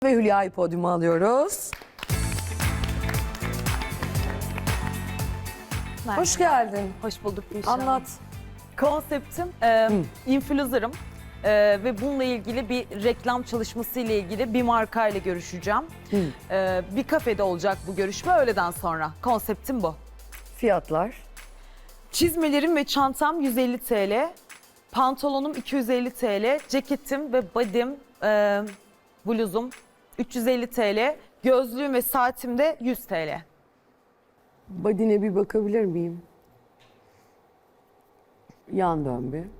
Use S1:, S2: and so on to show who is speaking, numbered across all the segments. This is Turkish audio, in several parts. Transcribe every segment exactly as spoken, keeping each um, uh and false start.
S1: Ve Hülya'yı podyuma alıyoruz.
S2: Merhaba.
S1: Hoş geldin.
S2: Hoş bulduk Gülşah.
S1: Anlat.
S2: Konseptim e, influencer'ım e, ve bununla ilgili bir reklam çalışması ile ilgili bir markayla görüşeceğim. E, bir kafede olacak bu görüşme öğleden sonra. Konseptim bu.
S1: Fiyatlar.
S2: Çizmelerim ve çantam yüz elli TL, pantolonum iki yüz elli TL, ceketim ve body'm, e, bluzum üç yüz elli TL, gözlüğüm ve saatim de yüz TL.
S1: Body'ne bir bakabilir miyim? Yan dön bir.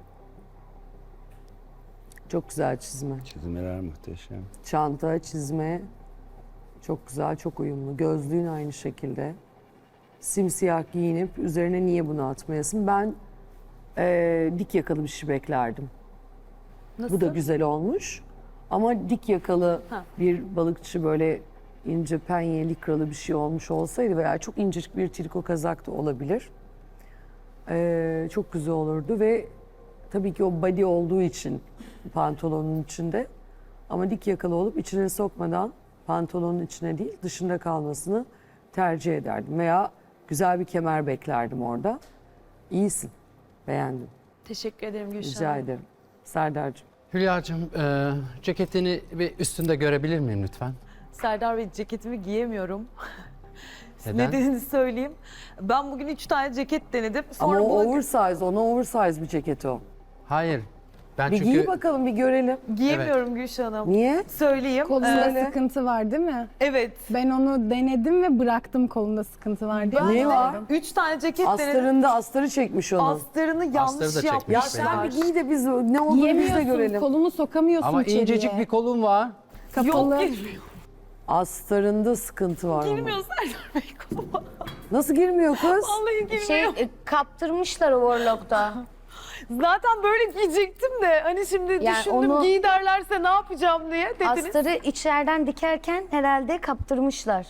S1: Çok güzel çizme.
S3: Çizmeler muhteşem.
S1: Çanta, çizme. Çok güzel, çok uyumlu. Gözlüğün aynı şekilde. Simsiyah giyinip üzerine niye bunu atmayasın? Ben eee, dik yakalı bir şey beklerdim.
S2: Nasıl?
S1: Bu da güzel olmuş. Ama dik yakalı
S2: Ha.
S1: bir balıkçı böyle ince penye likralı bir şey olmuş olsaydı veya çok incecik bir triko kazak da olabilir. Ee, çok güzel olurdu ve tabii ki o body olduğu için pantolonun içinde ama dik yakalı olup içine sokmadan pantolonun içine değil dışında kalmasını tercih ederdim. Veya güzel bir kemer beklerdim orada. İyisin. Beğendim.
S2: Teşekkür ederim Gülşah.
S1: Rica ederim. Serdar'cığım.
S4: Hülya'cığım e, ceketini bir üstünde görebilir miyim lütfen?
S2: Serdar Bey, ceketimi giyemiyorum.
S4: Neden?
S2: Nedenini söyleyeyim. Ben bugün üç tane ceket denedim.
S1: Ama
S2: Sonra
S1: o
S2: bu
S1: oversize, ona oversize bir ceket o.
S4: Hayır. Ben
S1: Bir
S4: çünkü
S1: giy bakalım, bir görelim.
S2: giyemiyorum Gülşah Hanım.
S1: Niye?
S2: Söyleyeyim.
S5: Kolunda
S1: Söyle.
S5: sıkıntı var değil mi?
S2: Evet.
S5: Ben onu denedim ve bıraktım kolunda sıkıntı var diye.
S2: Ben
S1: Ne
S2: de
S1: var?
S2: Üç tane ceket denedim.
S1: Astarında astarı çekmiş onu.
S2: Astarını yanlış
S4: Astarı da
S2: yapmışlar.
S4: çekmiş
S1: Ya sen bir giy de biz ne olur biz de
S5: Giyemiyorsun,
S1: görelim.
S5: kolunu sokamıyorsun
S4: ama
S5: içeriye.
S4: incecik bir kolum var.
S5: Kapalı.
S2: Yok girmiyor.
S1: Astarında sıkıntı var ama.
S2: Girmiyor Serdar Bey koluma.
S1: Nasıl girmiyor kız?
S2: Vallahi girmiyor.
S6: Şey e, kaptırmışlar overlock'ta.
S2: Zaten böyle giyecektim de hani şimdi
S6: Yani
S2: düşündüm
S6: onu-
S2: giy derlerse ne yapacağım diye dediniz.
S6: Astarı içeriden dikerken herhalde kaptırmışlar.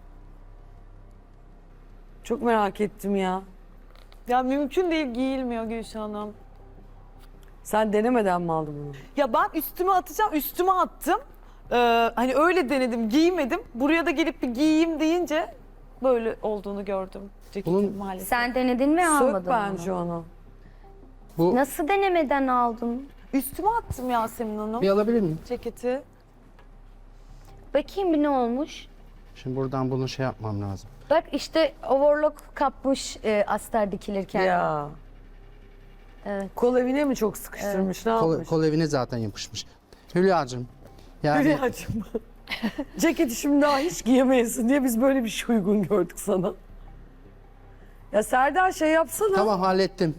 S1: Çok merak ettim ya.
S2: Ya mümkün değil, giyilmiyor Gülşah Hanım.
S1: Sen denemeden mi aldın bunu?
S2: Ya ben üstüme atacağım, üstüme attım. Ee, hani öyle denedim, giymedim. Buraya da gelip bir giyeyim deyince böyle olduğunu gördüm ceketin
S4: Bunun-
S2: maalesef.
S6: Sen denedin mi almadın
S1: Sök bence
S6: onu?
S1: onu.
S4: Bu
S6: Nasıl denemeden aldın?
S2: Üstüme attım Yasemin Hanım
S4: bir alabilir miyim?
S2: ceketi.
S6: Bakayım bir ne olmuş.
S4: Şimdi buradan bunu şey yapmam lazım.
S6: Bak işte overlock kapmış e, astar dikilirken.
S1: Ya.
S6: Evet.
S1: Kol evine mi çok sıkıştırmış? Ne
S4: Kol,
S1: yapmış?
S4: kol evine zaten yapışmış. Hülya'cığım. Yani
S1: Hülya'cığım. Ceketi şimdi daha hiç giyemeyesin diye biz böyle bir şey uygun gördük sana. Ya Serdar şey yapsana.
S4: tamam hallettim.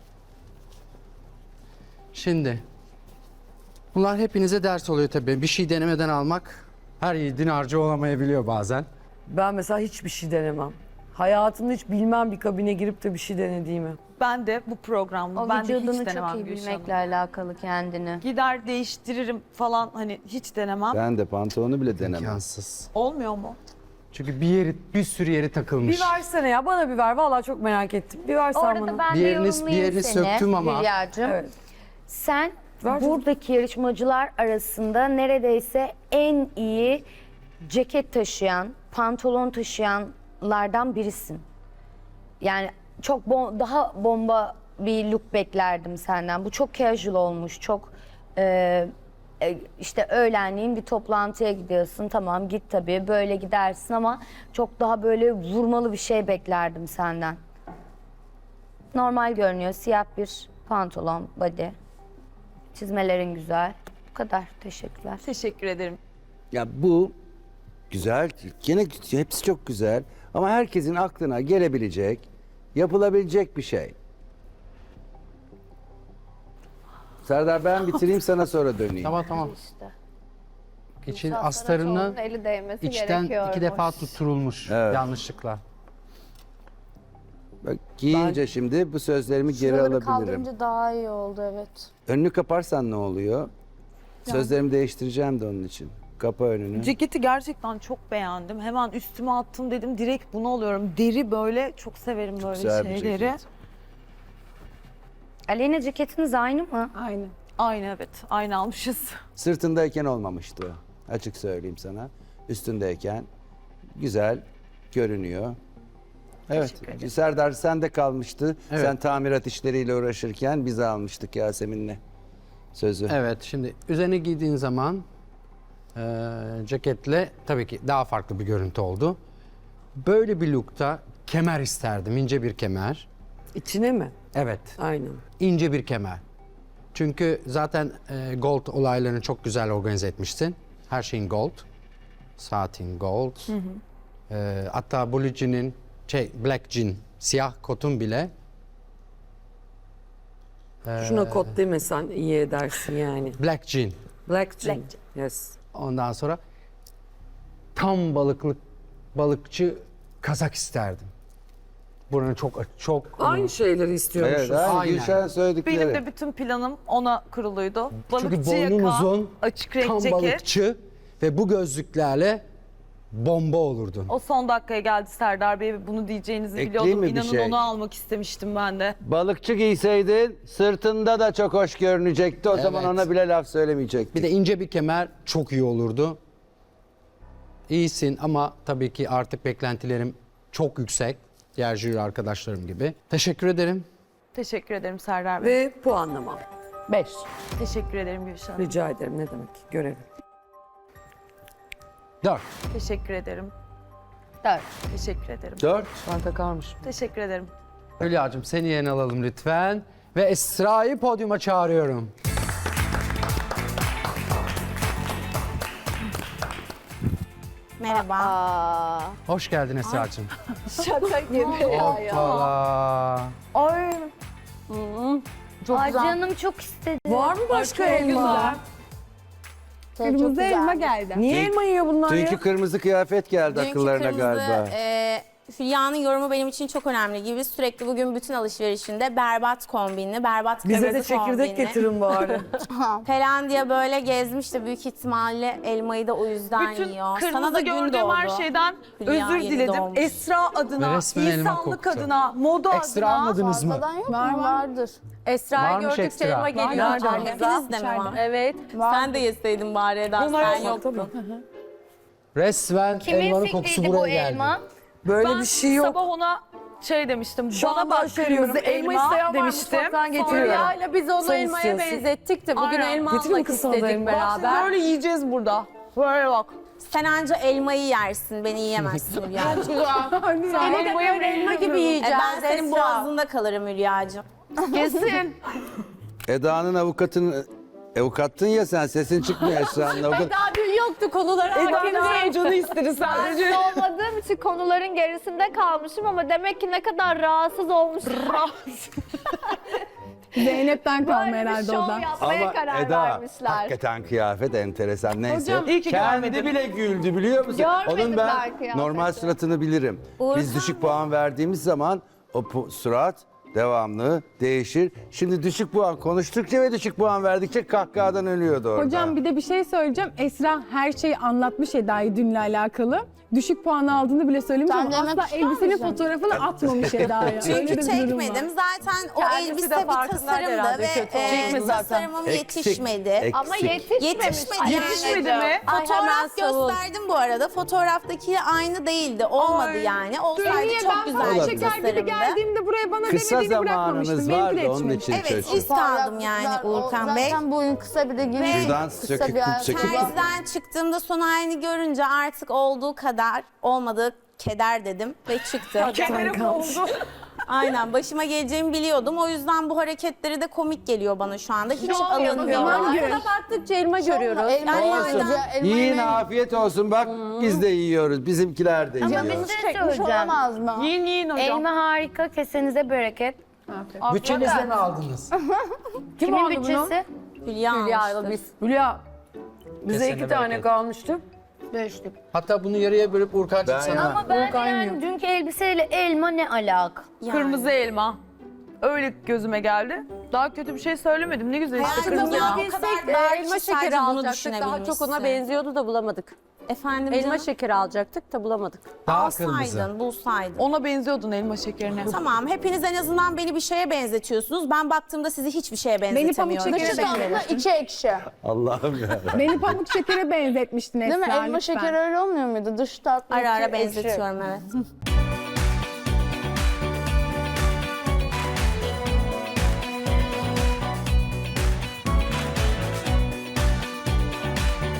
S4: Şimdi bunlar hepinize ders oluyor tabii. Bir şey denemeden almak her yiğidin harcı olamayabiliyor bazen.
S1: Ben mesela hiçbir şey denemem. Hayatımda hiç bilmem bir kabine girip de bir şey denediğimi.
S2: Ben de bu programda
S6: O
S2: ben de hiç
S6: vücudunu
S2: denemem
S6: çok iyi
S2: Gülşah
S6: bilmekle
S2: Hanım.
S6: alakalı kendini.
S2: Gider değiştiririm falan hani hiç denemem.
S3: Ben de pantolonu bile denemem.
S4: İmkansız.
S2: Olmuyor mu?
S4: Çünkü bir yeri bir sürü yeri takılmış.
S1: Bir versene ya, bana bir ver. Vallahi çok merak ettim. Bir versen bana.
S6: Orada ben
S4: Bir
S6: de
S4: yerini-
S6: yorumlayayım
S4: bir yerini
S6: seni
S4: söktüm ama.
S6: Hülya'cığım.
S1: Evet.
S6: Sen
S1: Ver canım.
S6: buradaki yarışmacılar arasında neredeyse en iyi ceket taşıyan, pantolon taşıyanlardan birisin. Yani çok bom- daha bomba bir look beklerdim senden. Bu çok casual olmuş, çok e, e, işte öğlenleyin bir toplantıya gidiyorsun. Tamam git tabii böyle gidersin ama çok daha böyle vurmalı bir şey beklerdim senden. Normal görünüyor, siyah bir pantolon, body. Çizmelerin güzel. Bu kadar. Teşekkürler.
S2: Teşekkür ederim.
S3: Ya bu güzel, gene hepsi çok güzel ama herkesin aklına gelebilecek, yapılabilecek bir şey. Serdar ben bitireyim sana sonra döneyim.
S4: Tamam tamam.
S6: İşte.
S4: İçin
S7: Musa
S4: astarını
S7: Saraçoğlu'nun eli değmesi
S4: içten
S7: gerekiyormuş.
S4: iki defa tutturulmuş
S3: Evet.
S4: yanlışlıkla.
S3: Bak, giyince şimdi bu sözlerimi geri
S7: Şuraları
S3: alabilirim.
S7: kaldırınca daha iyi oldu, evet.
S3: Önünü kaparsan ne oluyor? Sözlerimi değiştireceğim de onun için. Kapa önünü.
S2: Ceketi gerçekten çok beğendim. Hemen üstüme attım dedim direkt bunu alıyorum. Deri böyle çok severim böyle
S3: Güzel bir
S2: şeyleri.
S3: ceket.
S6: Aleyna ceketiniz aynı mı?
S5: Aynı.
S2: Aynı evet. Aynı almışız.
S3: Sırtındayken olmamıştı o. Açık söyleyeyim sana. Üstündeyken güzel görünüyor. Evet. Serdar sende kalmıştı.
S4: Evet.
S3: Sen tamirat işleriyle uğraşırken biz almıştık Yasemin'le sözü.
S4: Evet, şimdi üzerine giydiğin zaman e, ceketle tabii ki daha farklı bir görüntü oldu. Böyle bir lookta kemer isterdim, ince bir kemer.
S1: İçine mi?
S4: Evet,
S1: Aynen.
S4: ince bir kemer. Çünkü zaten e, gold olaylarını çok güzel organize etmiştin. Her şeyin gold, satin gold. E, hatta blue jean'in, şey black jean, siyah kotun bile
S1: Şuna kot demesen iyi edersin yani.
S4: black jean.
S1: Black jean. Yes.
S4: Ondan sonra tam balıklık balıkçı kazak isterdim. Buranın çok çok
S1: Aynı şeyleri istiyormuşuz.
S3: Evet, aynı
S4: Aynen.
S3: Gülşen söyledikleri.
S2: Benim de bütün planım ona kuruluydu.
S4: çünkü
S2: Balıkçı
S4: boynun
S2: yaka,
S4: uzun,
S2: açık renk
S4: tam
S2: ceket.
S4: balıkçı ve bu gözlüklerle bomba olurdun.
S2: O son dakikaya geldi Serdar Bey. Bunu diyeceğinizi
S3: Ekleyeyim
S2: biliyordum.
S3: mi bir
S2: İnanın
S3: şey?
S2: onu almak istemiştim ben de.
S3: Balıkçı giyseydin sırtında da çok hoş görünecekti. O zaman
S4: Evet.
S3: ona bile laf söylemeyecektik.
S4: Bir de ince bir kemer çok iyi olurdu. İyisin ama tabii ki artık beklentilerim çok yüksek. Diğer jüri arkadaşlarım gibi. Teşekkür ederim.
S2: Teşekkür ederim Serdar Bey.
S1: Ve puanlama. Beş.
S2: Teşekkür ederim Gülşen Hanım.
S1: Rica ederim, ne demek, görevim.
S4: Dört.
S2: Teşekkür ederim.
S6: Dört.
S2: Teşekkür ederim.
S3: Dört.
S1: Ben takarmışım.
S2: Teşekkür ederim.
S4: Hülya'cığım seni yerine alalım lütfen. Ve Esra'yı podyuma çağırıyorum.
S7: Merhaba. Aa,
S4: Hoş geldin Esra'cığım.
S7: şaka gibi ya.
S4: Hoppala.
S7: Ay. Çok
S6: Ay
S7: güzel.
S6: canım çok istedim.
S1: Var mı başka elma?
S7: Çok
S5: Kırmızı
S7: güzel.
S5: elma geldi.
S1: Niye elma yiyor bunlar
S3: Dünkü
S1: ya?
S3: kırmızı kıyafet geldi
S8: Dünkü
S3: akıllarına
S8: kırmızı,
S3: galiba.
S8: e, Hülya'nın yorumu benim için çok önemli gibi. Sürekli bugün bütün alışverişinde berbat kombinli, berbat
S1: Bize
S8: kırmızı
S1: de çekirdek
S8: kombinli
S1: getirin bari.
S8: falan diye böyle gezmişti. Büyük ihtimalle elmayı da o yüzden
S2: Bütün
S8: yiyor. Sana
S2: kırmızı
S8: da gün
S2: gördüğüm
S8: doğdu.
S2: her şeyden
S8: Hülya
S2: özür
S8: yeni
S2: diledim.
S8: doğmuş.
S2: Esra
S4: Ve
S2: adına,
S4: resmen elma
S2: insanlık
S4: koktu.
S2: adına, moda
S4: Ekstra
S2: adına.
S4: almadınız mı?
S7: Fazladan yok
S5: Var,
S7: mu?
S5: var.
S7: Vardır.
S8: Esra'yı
S4: Varmış
S8: gördükçe
S4: ekstra.
S8: elma geliyor.
S1: Nerede?
S8: Hepiniz de mi var?
S7: Evet.
S8: Sen de yeseydin bari Eda,
S1: Bunlar
S8: sen
S1: yok,
S8: yoktun.
S4: Resmen
S6: Kimin
S4: elmanın kokusu
S6: fikriydi
S4: buraya
S6: bu
S4: geldi.
S6: elma?
S1: Böyle
S2: Ben
S1: bir şey yok.
S2: sabah ona şey demiştim.
S1: Şu
S2: bana
S1: anda
S2: bak
S1: başarıyoruz.
S2: kırmızı
S1: Elma
S2: elma
S1: isteyen var mı?
S2: demiştim.
S1: Mutfaktan getiriyorum.
S7: Hülya'yla biz onu
S1: Sen
S7: elmaya
S1: istiyorsun.
S7: benzettik de bugün
S2: Aynen.
S7: elma
S1: Getireyim
S7: almak
S1: kız sana da
S7: istedik
S1: elma.
S2: Bak şimdi
S7: beraber.
S2: böyle yiyeceğiz burada. Böyle bak.
S8: Sen anca elmayı yersin, beni yiyemezsin Hülya'cığım.
S2: Sen
S7: Seni de böyle elma gibi
S8: E
S7: yiyeceğiz.
S8: ben senin
S7: Esra.
S8: boğazında kalırım Hülya'cığım.
S7: Kesin.
S3: Eda'nın avukatını avukattın ya sen, sesin çıkmıyor Esra'nın avukat.
S7: Eda dün yoktu konulara hakim değil.
S2: canı istedi sadece.
S7: olmadığım için konuların gerisinde kalmışım ama demek ki ne kadar rahatsız olmuşum.
S5: Zeynep'ten kalma
S7: Böyle bir
S5: herhalde
S7: şov
S5: o da.
S7: yapmaya
S3: Ama
S7: karar
S3: Eda
S7: vermişler.
S3: hakikaten kıyafet enteresan, neyse.
S7: Hocam,
S2: iyi ki
S3: Kendi
S2: görmedin.
S3: bile güldü biliyor musun?
S7: Görmedim
S3: Onun
S7: ben
S3: ben
S7: kıyafeti.
S3: normal suratını bilirim. Biz düşük puan verdiğimiz zaman o pu- surat devamlı değişir. Şimdi düşük puan konuştukça ve düşük puan verdikçe kahkahadan ölüyordu orada.
S5: Hocam bir de bir şey söyleyeceğim. Esra her şeyi anlatmış Eda'yı dünle alakalı. Düşük puan aldığını bile söylemiş
S7: Sen
S5: ama
S7: demek
S5: asla
S7: ister
S5: elbisenin
S7: misin?
S5: fotoğrafını atmamış Eda'ya. Öyle
S8: Çünkü
S5: de bir durum var.
S8: çekmedim. Zaten o
S2: Kendisi de
S8: elbise bir
S2: farkındaydı
S8: tasarımdı
S2: herhalde
S8: ve
S2: kötü
S8: e,
S2: olduğunu. Çekme zaten.
S8: tasarımım
S3: Eksik,
S8: yetişmedi.
S3: eksik.
S7: Ama yetişmemiş.
S8: Yetişmedi yani.
S2: Yetişmedi mi?
S7: Ay, hemen
S8: Fotoğraf
S7: savun.
S8: gösterdim bu arada. Fotoğraftakiyle aynı değildi. Olmadı
S2: Ay,
S8: yani. Olsaydı
S5: Niye
S8: çok
S5: ben
S8: güzel
S5: falan
S8: bir
S3: Olabilir.
S5: şeker gibi
S8: tasarımdı.
S5: geldiğimde buraya bana
S3: Kısa
S5: demediğini bırakmamıştım.
S3: zamanınız
S5: Benimki
S3: vardı
S5: de
S3: onun
S5: yetişmedi.
S3: için
S8: Evet,
S3: çocuğum.
S8: iz kaldım yani Uğurkan Bey.
S7: Zaten boyun kısa bir de giymiş.
S3: Şuradan
S7: Kısa
S3: söküp
S7: bir ayakkabı.
S3: söküp-
S8: Terziden çıktığımda son halini görünce artık olduğu kadar olmadığı keder dedim ve çıktım.
S2: Kemerim oldu.
S8: Aynen, başıma geleceğimi biliyordum. O yüzden bu hareketleri de komik geliyor bana şu anda. Hiç
S7: Şov
S8: alınmıyor.
S7: yapıyor.
S5: Aslında baktıkça elma görüyoruz.
S7: Elma
S8: Yani
S7: yiyince, elma
S3: Yiyin,
S7: yemeyin.
S3: afiyet olsun, bak biz de yiyoruz, bizimkiler de
S6: Ama
S3: yiyor.
S6: bir şey
S7: Çekmiş
S6: söyleyeceğim.
S7: olamaz mı?
S2: Yiyin yiyin hocam.
S6: Elma harika, kesenize bereket.
S4: Bütçenizle mi aldınız?
S6: Kimin bütçesi?
S8: Hülya almıştır.
S1: Hülya, bize
S4: Kesene
S1: iki tane
S4: bereket.
S1: kalmıştı.
S6: Beşlik.
S4: Hatta bunu yarıya bölüp Urkan'cığım
S3: Ben
S4: sana.
S3: ya-
S6: Ama ben
S1: Volkan
S6: yani
S1: yiyor.
S6: dünkü elbiseyle elma ne alaka?
S8: Yani.
S2: Kırmızı elma. Öyle gözüme geldi. Daha kötü bir şey söylemedim. Ne güzel işte
S8: Hayatım
S2: kırmızı
S8: ya,
S2: elma.
S8: o kadar
S7: Bilsek de
S8: dar
S7: elma
S8: ki
S7: şekeri
S8: sadece bunu
S7: alacaktık. Daha çok ona
S8: düşünebilmişsin.
S7: benziyordu da bulamadık.
S8: Efendim
S9: Elma
S8: canım?
S9: şekeri alacaktık da bulamadık.
S4: Daha kırmızı.
S8: Alsaydın, bulsaydın.
S2: Ona benziyordun elma şekerine.
S8: Tamam, hepiniz en azından beni bir şeye benzetiyorsunuz. Ben baktığımda sizi hiçbir şeye
S5: Beni pamuk
S8: benzetemiyorum.
S5: şekere benzetmiştin.
S7: içi ekşi.
S3: Allah'ım ya.
S5: Beni pamuk şekere benzetmiştin Esra.
S7: Değil mi? Elma
S5: lütfen.
S7: şekeri öyle olmuyor muydu? Dış tatlı,
S8: Ara ara
S7: içi ekşi.
S8: benzetiyorum, evet.